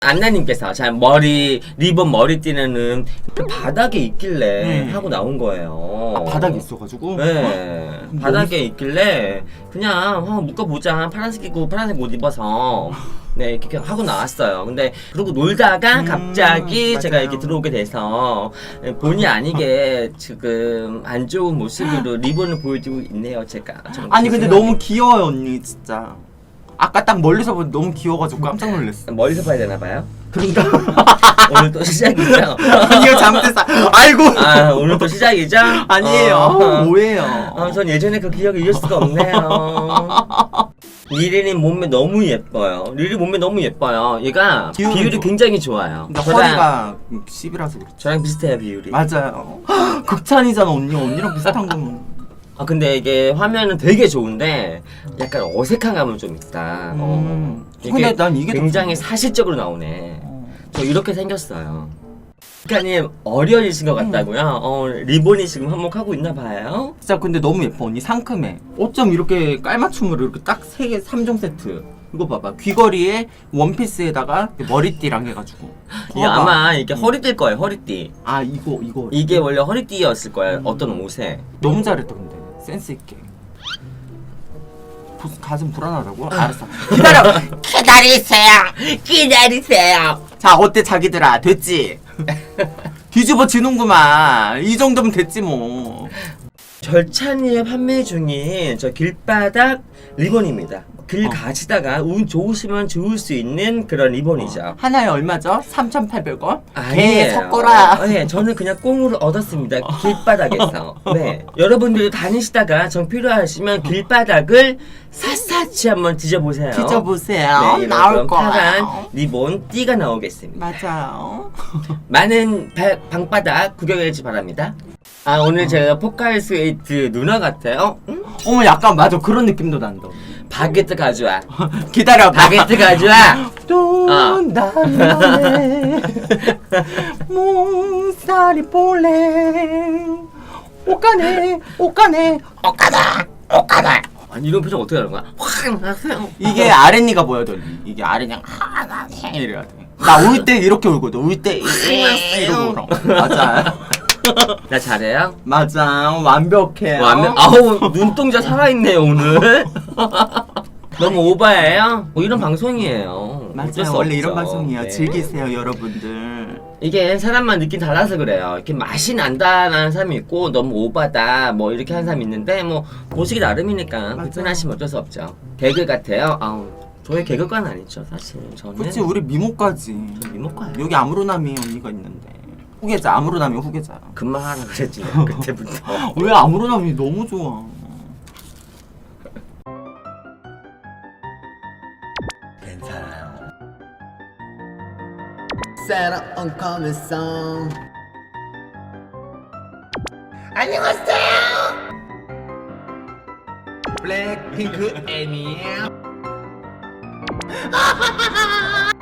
안나님께서 자 리본 머리띠는 그 바닥에 있길래 하고 나온 거예요. 아, 바닥에 있어가지고? 네. 바닥에 있길래 그냥 묶어보자. 파란색이고 파란색 옷 입어서 네 이렇게 하고 나왔어요. 근데 그러고 놀다가 갑자기 제가 이렇게 들어오게 돼서 본의 아니게 지금 안 좋은 모습으로 리본을 보여주고 있네요. 제가 아니 근데 너무 귀여워요 언니 진짜. 아까 딱 멀리서 보니 너무 귀여워가지고 깜짝 놀랐어. 멀리서 봐야 되나봐요? 그런가? 오늘 또 시작이죠? 이거 잘못했어. 아이고. 아 오늘 또 시작이죠? 아니에요. 뭐예요? 전 예전에 그 기억을 잊을 수가 없네요. 리리는 몸매 너무 예뻐요. 리리 몸매 너무 예뻐요. 얘가 비율이 굉장히 좋아요. 근데 허리가 10이라서 그렇지. 저랑 비슷해요 비율이. 맞아요. 극찬이잖아 언니. 언니랑 비슷한 거면. 근데 이게 화면은 되게 좋은데 약간 어색한 감은 좀 있다. 근데 난 이게 굉장히 사실적으로 나오네. 저 이렇게 생겼어요. 작가님 어려지신 것 같다고요? 리본이 지금 한몫하고 있나 봐요? 진짜 근데 너무 예뻐 언니. 상큼해. 어쩜 이렇게 깔맞춤으로 이렇게 딱 3개 3종 세트. 이거 봐봐. 귀걸이에 원피스에다가 머리띠랑 해가지고. 이게 아마 이게 허리띠일 거예요. 허리띠. 아 이거 이게 원래 허리띠였을 거예요. 어떤 옷에. 너무 잘했다 근데. 센스 있게. 가슴 불안하다고? 알았어. 기다려. 기다리세요. 자 어때 자기들아 됐지? 뒤집어 지는구만. 이 정도면 됐지 뭐. 절찬리에 판매 중인 저 길바닥 리본입니다. 길 가시다가 운 좋으시면 좋을 수 있는 그런 리본이죠. 하나에 얼마죠? 3,800원? 아니에요. 섞어라. 네, 저는 그냥 꽁으로 얻었습니다. 길바닥에서. 네, 여러분들 다니시다가 정 필요하시면 길바닥을 샅샅이 한번 뒤져보세요. 뒤져보세요. 네, 나올 파란 거야. 리본 띠가 나오겠습니다. 맞아요. 많은 방바닥 구경해주시 바랍니다. 오늘 제가 포카리스웨이트 누나 같아요? 응? 어머 약간 맞아 그런 느낌도 난다. 바게트 가져와. 기다려봐. 바게트 가져와. 또 나만의 몽살이 볼래. 옷가네. 아니 이런 표정 어떻게 하는 거야? 확 하세요. 이게 아랫니가 보여도 이게 아랫니 이래야 돼. 나 울 때 이렇게 울거든. 울 때 이러고 울어. 맞아. 나 잘해요? 맞아. 완벽해요. 아우 눈동자 살아있네요 오늘. 너무 오바예요? 이런 방송이에요. 어쩔 맞아요. 수 원래 없죠. 이런 방송이에요. 네. 즐기세요 여러분들. 이게 사람만 느낌 달라서 그래요. 이렇게 맛이 난다라는 사람이 있고 너무 오바다 뭐 이렇게 하는 사람이 있는데 뭐 보시기 나름이니까 불편하시면 어쩔 수 없죠. 개그 같아요. 저희 개그과는 아니죠 사실. 저는 그치 우리 미모까지. 미모과예요. 여기 아무로남이 언니가 있는데. 후계자 아무로남이 후계자. 그만하라 그랬지 내가 그때부터. 왜 아무로남이 너무 좋아. 괜찮아요. Set up on coming song. 안녕하세요. 블랙핑크 애니에요.